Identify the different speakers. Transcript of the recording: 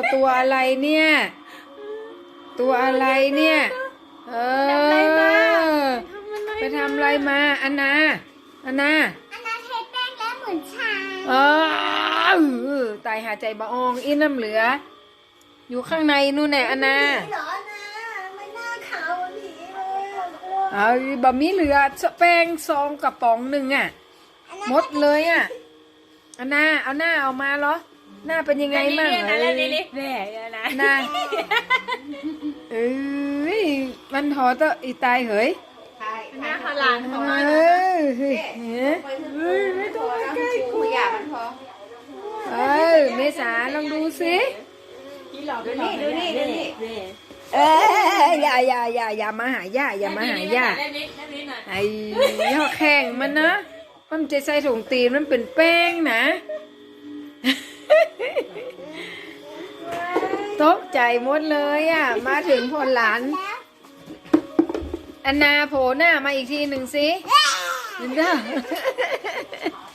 Speaker 1: ตัวอะไรเนี่ย ตัวอะไรเนี่ยไปทำอะไรมาอันนา
Speaker 2: อันนั้นใช้แป้งแล้วเหมือนชา
Speaker 1: ตายหาใจบะอองอินน้ำเหลือ อยู่ข้างในนู่นแน่อันนา
Speaker 2: เหรอนะไม่น่าขาวผีเลย
Speaker 1: เอาบะมีเหลือแป้งซองกระป๋องหนึ่งอ่ะหมดเลยอ่ะอันนาเอาหน้าเอามาเหรอหน้าเป็นยังไงมั่ง
Speaker 3: แม่นะ
Speaker 1: หน้าเอ้ยมันถอดตัวอีตายเหย
Speaker 3: หน้าเขาหลานเขามา
Speaker 1: ไม่ต้องใกล้กู
Speaker 2: อยากมันพอ
Speaker 1: เมษาลองดูสิ
Speaker 3: ดูนี่
Speaker 1: อย่ามาหาย่าอย่ามาหาย่าไอ้ยอแข่งมันนะมันจะใส่ถุงตีนมันเป็นแป้งนะตกใจหมดเลยอ่ะมาถึงพลหลานอันนาโผล่หน้ามาอีกทีหนึ่งสิเห็นเด้อ